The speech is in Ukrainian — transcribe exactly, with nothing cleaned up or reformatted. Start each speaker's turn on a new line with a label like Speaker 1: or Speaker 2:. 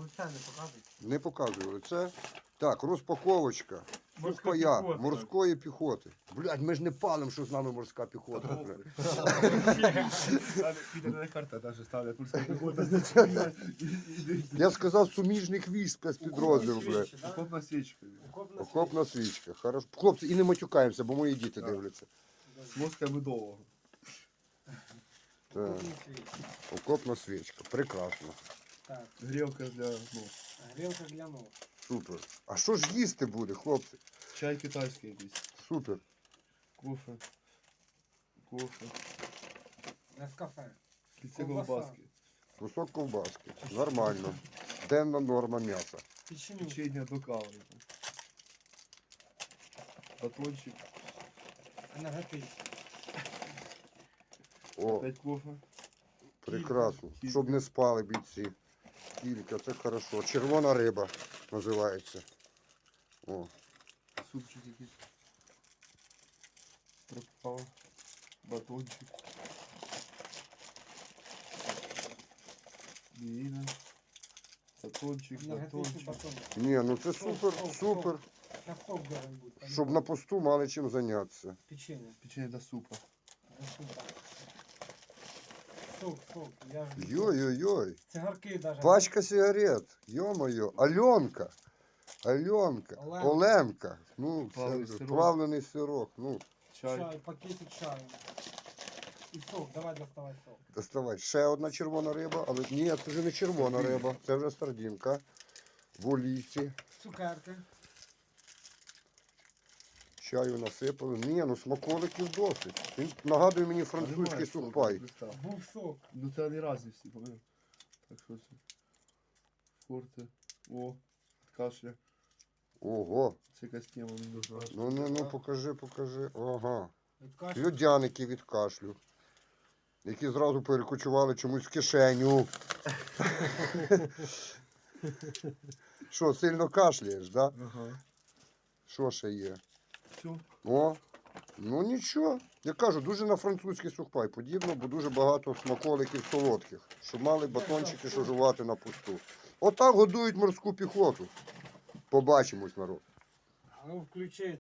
Speaker 1: лиця не показуй.
Speaker 2: Не показую лице. Так, розпаковочка.
Speaker 1: Морська
Speaker 2: Сухпая
Speaker 1: піхота.
Speaker 2: морської піхоти. Блядь, ми ж не палимо, що з нами морська піхота. Бля.
Speaker 3: Піде карта навіть ставлять морська піхота, значить.
Speaker 2: Я сказав суміжних військ спецпідрозділ, бля.
Speaker 3: Окопна свічка.
Speaker 1: Окопна
Speaker 2: Окопна свічка. Хорошо. Хлопці, і не матюкаємося, бо мої діти
Speaker 3: Так.
Speaker 2: дивляться.
Speaker 3: З мозка медового.
Speaker 2: Так. Окопна свічка. Прекрасно.
Speaker 1: Так,
Speaker 3: Грілка для ног.
Speaker 1: грілка для ног.
Speaker 2: Супер. А що ж їсти буде, хлопці?
Speaker 3: Чай китайський якийсь.
Speaker 2: Супер.
Speaker 3: Кофе. Кофе.
Speaker 1: Нескафе.
Speaker 3: Кільце
Speaker 1: Ковбаса.
Speaker 3: ковбаски.
Speaker 2: Кусок ковбаски. Нормально. Денна норма м'яса.
Speaker 1: Печеню.
Speaker 3: Печення до кави. Батончик.
Speaker 1: Енергетичний.
Speaker 2: О,
Speaker 3: Опять кофе.
Speaker 2: прекрасно.
Speaker 3: Кілька.
Speaker 2: Щоб не спали бійці. Кілька, це хорошо. Червона риба називається. О,
Speaker 3: Супчик якийсь. Пропав. Батончик. Біїна. Батончик,
Speaker 1: Енергетичний
Speaker 3: батончик.
Speaker 1: батон.
Speaker 2: ні, ну це супер, супер.
Speaker 1: На сок должен бути.
Speaker 2: Щоб на посту мали чим зайнятися.
Speaker 1: Печення.
Speaker 3: Печення до супа.
Speaker 1: На супа. Сок, сок. Я ж...
Speaker 2: Йой-йой-йой.
Speaker 1: Цигарки даже.
Speaker 2: Пачка сигарет. Йо-моє. Альонка. Альонка.
Speaker 1: Оленка.
Speaker 2: Оленка. Ну,
Speaker 3: Плавлений
Speaker 2: це
Speaker 3: сирок.
Speaker 2: плавлений сирок. Ну,
Speaker 3: Чай.
Speaker 1: Чай, пакетик чаю. І сок, давай доставай сок.
Speaker 2: доставай. Ще одна червона риба, але ні, це вже не червона риба, це вже сардинка. В олійці.
Speaker 1: Цукерки.
Speaker 2: Чаю насипали. Ні, ну смаколиків досить. Він нагадує мені французький
Speaker 3: Немає
Speaker 2: сухпай.
Speaker 3: соку, листа.
Speaker 1: Був сок.
Speaker 3: Ну це не разні всі, пам'ятаю. Так що це? Форте. О, від кашля.
Speaker 2: Ого.
Speaker 3: Це якась тема не дуже.
Speaker 2: Ну, ну, ну, покажи, покажи. Ага.
Speaker 1: Від каші.
Speaker 2: Льодяники від кашлю. Які зразу перекочували чомусь в кишеню. Що, сильно кашляєш, так? Да?
Speaker 3: Ага.
Speaker 2: Що ще є?
Speaker 3: Все.
Speaker 2: О, ну нічого. Я кажу, дуже на французький сухпай подібно, бо дуже багато смаколиків солодких, щоб мали батончики, що жувати на пусту. Отак годують морську піхоту. Побачимось, народ.
Speaker 1: А ну включи